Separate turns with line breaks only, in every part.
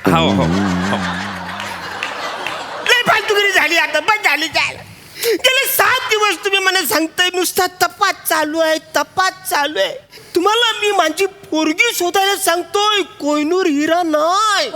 हो हो
लय फालतुगिरी झाली आता, बस झाली झालं. गेले 7 दिवस तुम्ही मला सांगताय नुसता तपास चालू आहे, तपास चालू आहे. तुम्हाला मी माझी पोरगी शोधायला सांगतोय, कोहिनूर हिरा नाही.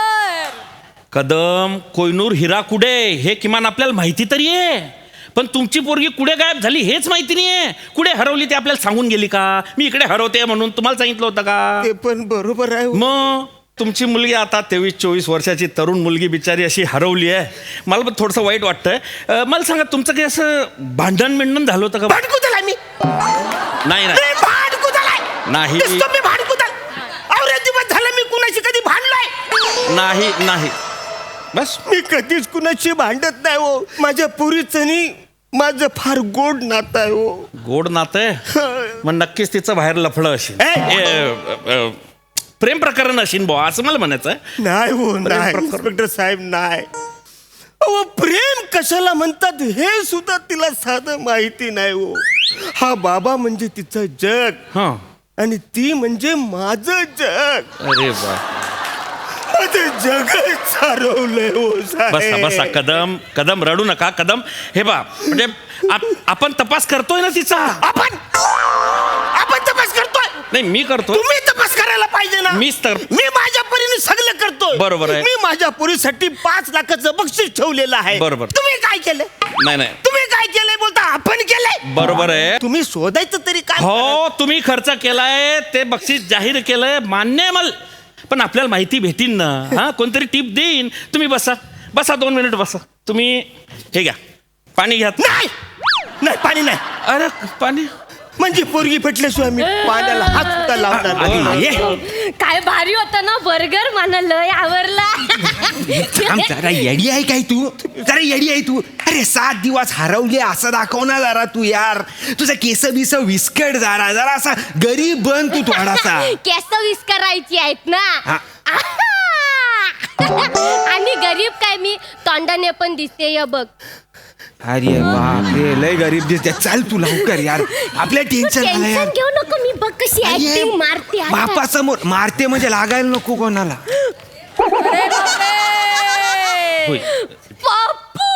कदम, कोयनूर हिरा कुठे हे किमान आपल्याला माहिती तरी आहे. पण तुमची पोरगी कुठे गायब झाली हेच माहिती नाहीये. कुठे हरवली ते आपल्याला सांगून गेली का? मी इकडे हरवते म्हणून तुम्हाला सांगितलं होतं का?
ते पण बरोबर आहे.
मग तुमची मुलगी आता 23-24 वर्षाची तरुण मुलगी बिचारी अशी हरवली आहे. मला पण थोडंसं वाईट वाटतंय. मला सांगा तुमचं काही असं भांडण झालं होतं का?
भांडकू झाला मी.
नाही नाही
भांडकू झालाय
नाही
नुसतं मी भांडकू झाला. अरे दिवस झालं मी कुणाशी कधी भांडलोय
नाही नाही बस.
मी कधीच कुणाशी भांडत नाही हो. माझ्या पुरीचं नी माझं फार गोड नातं आहे हो.
गोड नातं आहे? मग नक्कीच तिचं बाहेर लफडं असेल. प्रेम प्रकरण असेल बुवा असं मला म्हणायचं आहे.
नाही हो नाही इन्स्पेक्टर साहेब नाही. अहो प्रेम कशाला म्हणतात हे सुद्धा तिला साधं माहिती नाही हो. हा बाबा म्हणजे तिचं जग
हां.
आणि ती म्हणजे माझं जग.
अरे वा.
माझं जगच सारवलंय हो
बसा
साहेब.
बसा कदम कदम रडू नका कदम. हे बा म्हणजे आपण तपास करतोय ना तिचा.
आपण तपास करतोय.
नाही मी करतो.
तुम्ही तपास करायला पाहिजे ना.
मीच तर.
मी माझ्या परीने सगळं करतोय.
बरोबर आहे.
मी माझ्या पुरीसाठी 5 लाखाचं बक्षीस ठेवलेलं आहे.
बरोबर.
तुम्ही काय केलं?
नाही नाही
तुम्ही काय केलंय बोलता? आपण केलंय.
बरोबर आहे.
तुम्ही शोधायचं तरी काय?
हो तुम्ही खर्च केलाय ते बक्षीस जाहीर केलंय मान्य आहे मला. पण आपल्याला माहिती भेटीन ना. हा कोणतरी टिप देईन. तुम्ही बसा बसा 2 मिनिट बसा. तुम्ही हे घ्या पाणी घ्या.
नाही नाही पाणी नाही.
अरे पाणी
म्हणजे पोरगी पेटल्याशिवाय मी पाण्याला हात सुद्धा लावणार नाही.
काय भारी होता ना बर्गर, मला लय आवडला.
थांब जरा, येडी आहे काय तू? जरा येडी आहे तू. अरे 7 दिवस हरवले असं दाखव ना जरा तू यार. तुझं केस बिस विस्कट जरा जरा असा गरीब बन तू थोडासा.
केस विस्करायची आहेत ना.
हा.
आणि गरीब काय मी तोंडाने पण दिसते या बघ.
अरे बापरे लय गरीब दिसते. चल तू लवकर यार, आपल्या टेन्शन आलं यार.
टेन्शन घेऊ नको, मी बघ कशी ऍक्टिंग मारते आता.
बापासमोर मारते म्हणजे लागायला नको कोणाला.
होय.
पप्पू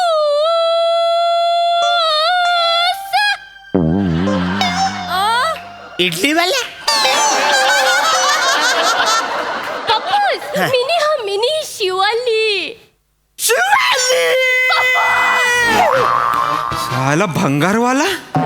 इडलीवाला
पप्पूस मिनी शिवाली.
साला भंगारवाला.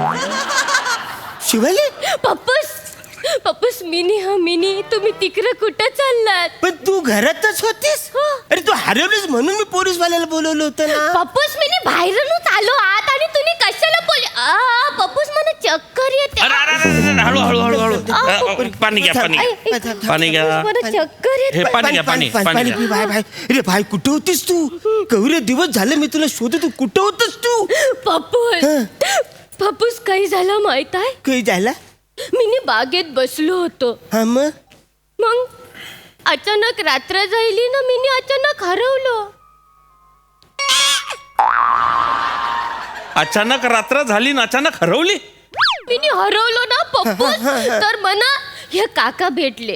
शिवाली
पप्पूस मिनी तुम्ही तिकडे कुठं चाललात?
पण तू घरातच होतीस.
हो.
अरे तू हरवलीस म्हणून मी पोलीसवाल्याला बोलवलं होतं ना.
पप्पूस मिनी बाहेरूनच आलो आत आणि तुम्ही कशाला पप्पूस मला चक्कर येते.
अरे अरे अरे हळू हळू हळू हळू पाणी घ्या पाणी घ्या. पाणी घ्या.
मला चक्कर येते.
हे पाणी घ्या पाणी पाणी
पी
घ्या.
भाई. अरे भाई कुठं होतीस तू? केवढे दिवस झाले मी तुला शोधत. तू कुठं होतस तू?
पप्पूस काही झालं माहित आहे?
काही झाला?
मी बागेत बसलो होतो.
हा
मग अचानक रात्र झाली ना, मी अचानक हरवलो.
अचानक रात्र झाली ना अचानक हरवली.
मी हरवलो ना पप्पूस. तर मला हे काका भेटले.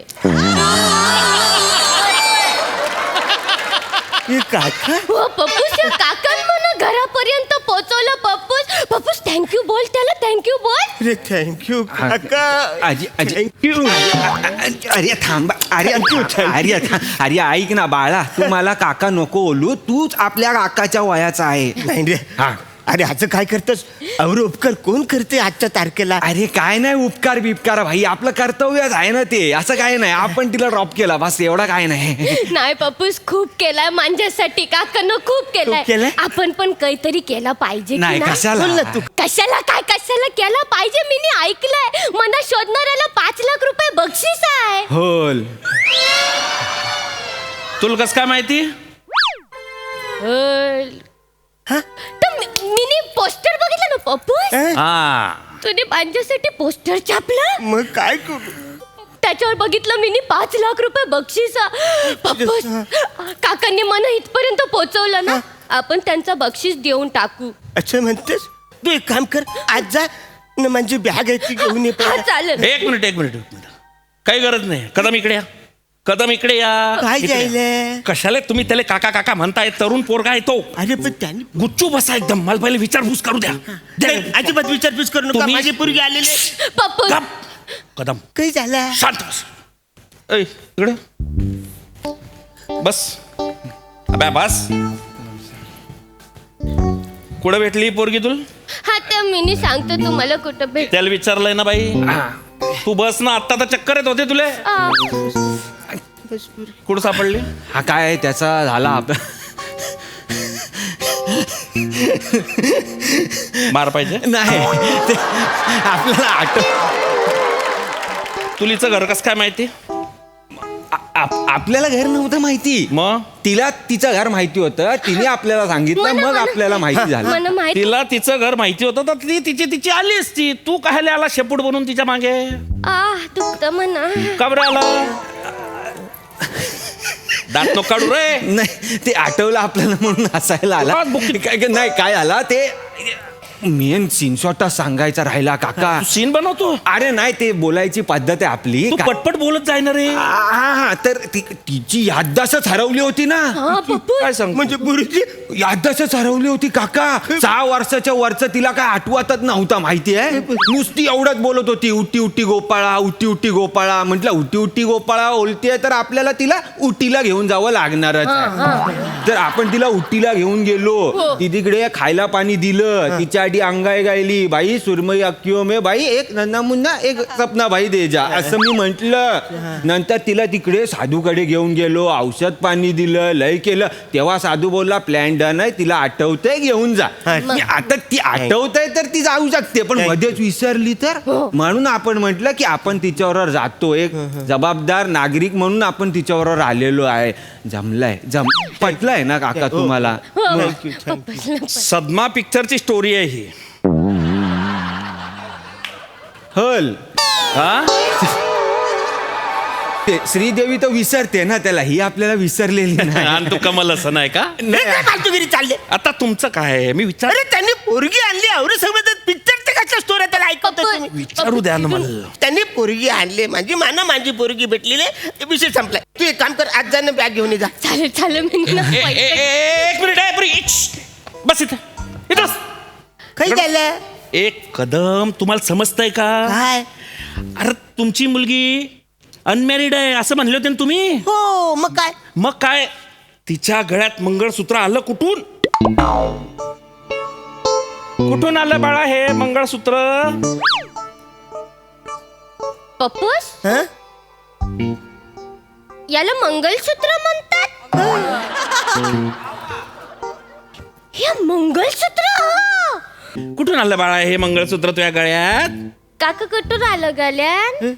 हे काका?
हो पप्पूस, हे काकान मला घरापर्यंत पोहोचवलं. पप्पूस थँक्यू बोल त्याला, थँक्यू बोल.
अरे थँक्यू काका.
थँक्यू. अरे थांबा. अरे ऐक ना बाळा, तू मला काका नको बोलू. तूच आपल्या काकाच्या वयाचा आहे.
नाही रे. अरे असं काय करतस? अवर उपकार कोण करते आजच्या तारखेला?
अरे काय नाही उपकार बिपकार भाई, आपलं कर्तव्यच आहे ना ते. असं काय नाही, आपण तिला ड्रॉप केला बस, एवढा काय नाही.
नाही पप्पूस, खूप केलाय माझ्यासाठी. काकानं खूप केलाय. आपण पण काहीतरी केला पाहिजे.
नाही कशाला?
बोल ना तू.
कशाला केला पाहिजे? मी ऐकलंय मला शोधणाऱ्याला 5 लाख रुपये बक्षीस आहे.
होल.
तुला कसं काय माहिती?
मी पोस्टर बघितलं ना पप्पूस.
हा
तुने माझ्यासाठी पोस्टर छापलं.
मग काय करू?
त्याच्यावर बघितलं मी 5 लाख रुपये बक्षीस. पप्पूस, काकांनी मला इथपर्यंत पोहोचवलं ना, आपण त्यांचा बक्षीस देऊन टाकू.
अच्छा म्हणतेस? तू एक काम कर, आज जा न माझी बॅग आहे ती घेऊन ये.
हा चालेल.
एक मिनिट काही गरज नाही. कदम इकडे या. कदम इकडे या.
काय
इकडे या.
जायले
कशाला तुम्ही त्याला काका काका म्हणताय? तरुण पोरगा आहे तो.
अरे पण त्यांनी
गुच्चू बसा एकदम. मला पहिले विचारपूस करू द्या.
नाही, अजिबात विचारपूस करू नका.
तुम्ही-
माझी पोरगी आलेले
पप्पू
गप. कदम
काही झालं
शांत बस. ऐ इकडे बस. अबे बस. कुठं भेटली पोरगी तुला?
हा तर मी सांगतो तुम्हाला कुठं भेट
त्याला विचारलंय ना बाई. तू बस ना. आत्ता तर चक्कर येत होते तुले.
आ,
कुठं सापडली?
हा काय त्याचा झाला
मार पाहिजे.
नाही ते आपल्याला
तुलीचं घर कसं काय माहिती?
आपल्याला घर नव्हतं माहिती.
मग
तिला तिचं घर माहिती होतं. तिने आपल्याला सांगितलं, मग आपल्याला माहिती झालं.
मला माहिती
तिला तिचं घर माहिती होतं तर ती तिची आली असती. तू काय आला शेपूट बनून तिच्या मागे?
दुखतं म्हणा.
का बरं आला? दात नको काढू रे.
नाही ते आठवलं आपल्याला म्हणून हसायला आला. नाही काय आला ते मेन सीनशॉटा सांगायचा राहिला काका.
तू सीन बनवतो.
अरे नाही ते बोलायची पद्धत आहे आपली.
तू पटपट बोलत जाय ना रे.
हा तर तिची याददास्तच हरवली होती ना.
हा पप्पू
काय सांग
म्हणजे पोरगी
याददास्तच हरवली होती काका. 6 वर्षाच्या वरचं तिला काय आठवतच नव्हता माहितीये. नुसती एवढंच बोलत होती, उटी उटी गोपाळा, उटी उटी गोपाळा. म्हटलं उटी उटी गोपाळा बोलतेय तर आपल्याला तिला उटीला घेऊन जावं लागणारच आहे. तर आपण तिला उटीला घेऊन गेलो. ती तिकडे खायला पाणी दिलं. तिच्या आधी अंगाई गायली, बाई सुरमई अक्कियो में बाई एक नन्ना मुन्ना एक सपना भाई दे जा, असं मी म्हंटल. नंतर तिला तिकडे साधूकडे घेऊन गेलो. औषध पाणी दिलं, लय केलं. तेव्हा साधू बोलला प्लॅन डन आहे, तिला आठवतंय घेऊन जा. आता ती आठवतंय तर ती जाऊ शकते, पण मध्येच विसरली तर. म्हणून आपण म्हटलं की आपण तिच्याबरोबर जातो. एक जबाबदार नागरिक म्हणून आपण तिच्याबरोबर आलेलो आहे. जमलाय पटलंय ना काका तुम्हाला?
सदमा पिक्चरची स्टोरी आहे ही.
हल
हा
ते श्रीदेवी तर विसरते ना त्याला, ही आपल्याला विसरलेली नाही.
आणि तू कमल असं नाही का?
काय फालतूगिरी चालले.
आता तुमचं काय आहे? मी विचार
अरे त्यांनी पोरगी आणली एवढं सगळं पिक्चर ते कशा स्टोरी त्याला ऐकवतो तुम्ही.
विचारू द्या ना मला.
त्यांनी पोरगी आणली माझी पोरगी भेटलेली आहे. विषय संपलाय. तू एक काम कर, आज जाणं बॅग घेऊन ये जा.
चालेल मी ना
एक मिनिट आहे प्री. बस इथं इथं बस.
काही झालं
एक कदम तुम्हाला समजतंय का?
काय?
अरे तुमची मुलगी अनमॅरिड आहे असं म्हणले होते ना तुम्ही.
हो मग काय?
मग काय तिच्या गळ्यात मंगळसूत्र आलं कुठून? कुठून आलं बाळा हे मंगळसूत्र?
पप्पूस
हं?
याला मंगलसूत्र म्हणतात. हे मंगलसूत्र
कुठून आलं बाळा हे मंगळसूत्र तुझ्या गळ्यात?
काका कुठून आलं गल्यान?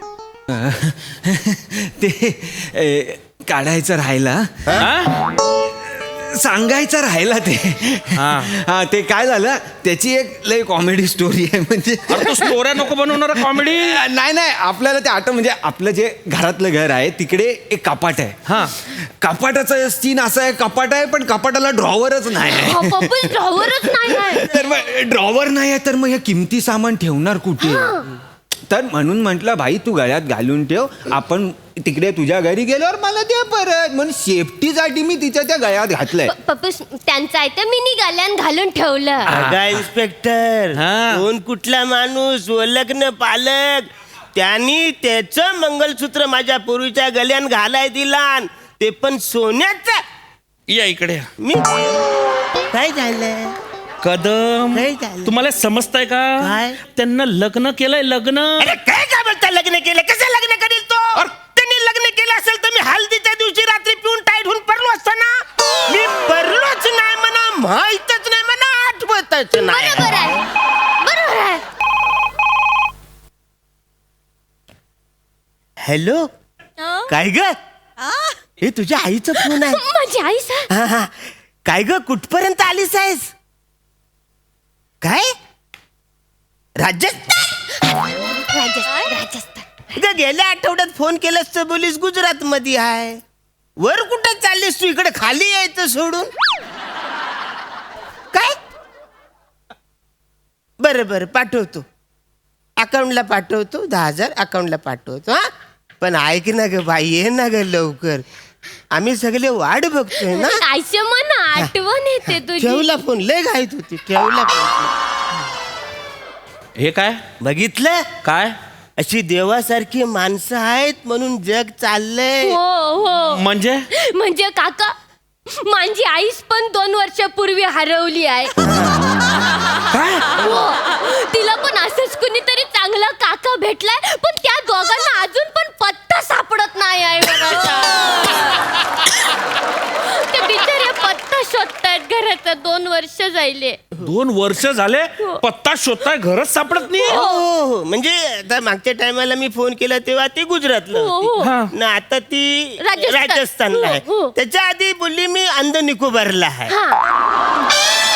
ते काढायचं राहिला,
हा?
सांगायचं राहिला ते. हा ते काय झालं, त्याची एक लय कॉमेडी स्टोरी आहे. म्हणजे
अरे तू स्टोऱ्या नको बनवणार कॉमेडी.
नाही आपल्याला ते आठवण, म्हणजे आपलं जे घरातलं घर आहे तिकडे एक कपाट आहे.
हा
कपाटाचा सीन असा आहे, कपाट आहे पण कपाटाला ड्रॉवरच नाही आहे.
पप्पूस ड्रॉवरच नाही आहे.
तर मग ड्रॉवर नाही आहे तर मग हे किमती सामान ठेवणार कुठे? तर म्हणून म्हटलं भाई तू गळ्यात घालून ठेव, आपण तिकडे तुझ्या घरी गेल्यावर मला दे परत. म्हणून सेफ्टीसाठी मी तिच्या त्या गळ्यात घातलंय.
पप्पूस त्यांचा आहे तर मी गल्यान घालून ठेवलं.
अगा इन्स्पेक्टर,
हा.
कोण कुठला माणूस लग्न पालक त्यांनी त्याचं मंगलसूत्र माझ्या पूर्वीच्या गल्यान घालाय दिला, ते पण सोन्याचं.
या इकडे.
मी काय झालं?
कदम
नाही झालं.
तुम्हाला समजतंय का?
काय?
त्यांना लग्न केलंय लग्न.
अरे काय बोलता? लग्न केलं? कसं लग्न करील तो? त्यांनी लग्न केलं असेल तर मी हल्दीच्या दिवशी रात्री पिऊन टाईट होऊन पडलो असतो ना. मी पडलोच नाही म्हणा, माहीतच नाही म्हणा, आठवतच नाही.
बरोबर आहे.
हॅलो, काय ग? हे तुझ्या आईचा फोन आहे.
माझी आई सर.
हा हा. काय ग, कुठपर्यंत आलीस आहेस? काय? राजस्थान?
राजस्थान.
ग गेल्या आठवड्यात फोन केलास तर बोलीस गुजरात मध्ये आहे. वर कुठं चाललीस तू? इकडे खाली यायचं सोडून. काय? बरं पाठवतो, अकाउंटला पाठवतो. 10,000 अकाउंटला पाठवतो. हा पण ऐक ना ग बाई, ये ना ग लवकर, आम्ही सगळे वाट बघतोय ना.
आयशमान आठवण येते तुझी.
ठेवला फोन, लय घाईत होती, ठेवला फोन.
हे काय
बघितलं,
काय
अशी देवासारखी माणसं आहेत म्हणून जग चाललंय.
हो हो
म्हणजे
म्हणजे काका, माझी आईस पण 2 वर्षापूर्वी हरवली आहे. हो, तिला पण असंच कुणीतरी चांगला काका भेटलाय, पण त्या दोघांना अजून पण पत्ता सापडत नाही आहे घराचा. ते बिचारे पत्ता शोधतायत घराचा. 2 वर्ष जायले.
2 वर्ष झाले पत्ता शोधताय, घरच सापडत नाही.
हो हो, म्हणजे आता मागच्या टायमाला मी फोन केला तेव्हा ती गुजरातला
हो, हो.
होती ना, आता ती
राजस्थान.
राजस्थानला आहे.
हो, हो.
त्याच्या आधी बोलली मी अंद निकोबारला आहे.
हा.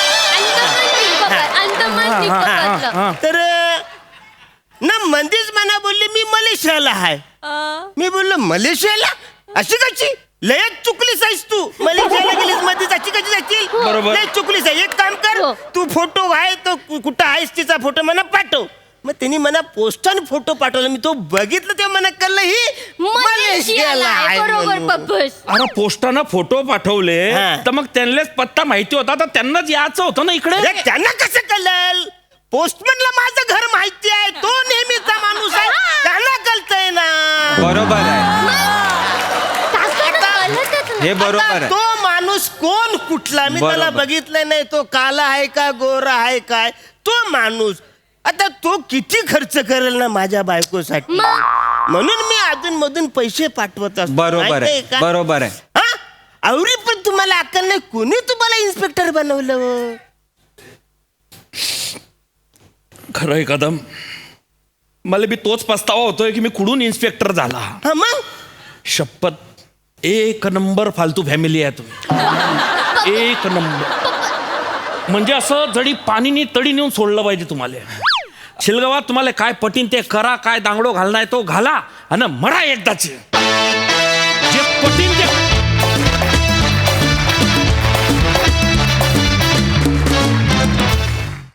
अंदमान निकोबारला.
तर ना मंदीच मना बोलली मी मलेशियाला आहे. मी बोललो मलेशियाला, अशी कशी, लयच चुकलीस आहेस तू. मलेशियाला गेलीस मध्येच अशी कशी जाशील.
बरोबर.
लय चुकलीस आहे. एक काम कर,
हो.
तू फोटो आहे तो कुठं आहेस तिचा फोटो मला पाठव. मग त्यांनी मला पोस्टाने फोटो पाठवला. मी तो बघितलं तेव्हा मला कळलं ही
मलेशियाला आहे. बरोबर
म्हणून.
पप्पूस.
अरे पोस्टानं फोटो पाठवले
हा.
तर मग त्यांनाच पत्ता माहिती होता, तर त्यांनाच यायचं होतं ना इकडे.
अरे त्यांना कसं कळलं? पोस्टमनला माझं घर माहिती आहे, तो नेहमीचा माणूस आहे, त्यांना कळतंय ना.
बरोबर आहे,
काकांना कळतच नाही.
हे बरोबर
आता
आहे.
तो माणूस कोण कुठला मी त्याला
बरोबर.
बघितलं नाही, तो काला आहे का गोरा आहे काय, तो माणूस आता तो किती खर्च करेल ना माझ्या बायकोसाठी.
मग?
म्हणून मी अधून मधून पैसे पाठवत असतो.
बरोबर
माहितीये
आहे,
का?
बरोबर आहे.
हा? आवरी पण तुम्हाला अक्कल नाही, कोणी तुम्हाला इन्स्पेक्टर बनवलं हो?
खरंय कदम, मला बी तोच पस्तावा होतोय की मी कुठून इन्स्पेक्टर झाला.
हा मग
शपथ, एक नंबर फालतू फॅमिली आहे तुम्ही, एक नंबर. म्हणजे असं जडी पाणीनी तडी नेऊन सोडलं पाहिजे तुम्हाला. शिलगावात तुम्हाला काय पटीन ते करा, काय दांगडो घालणार तो घाला आणि मरा एकदाचे. जे पटीन ते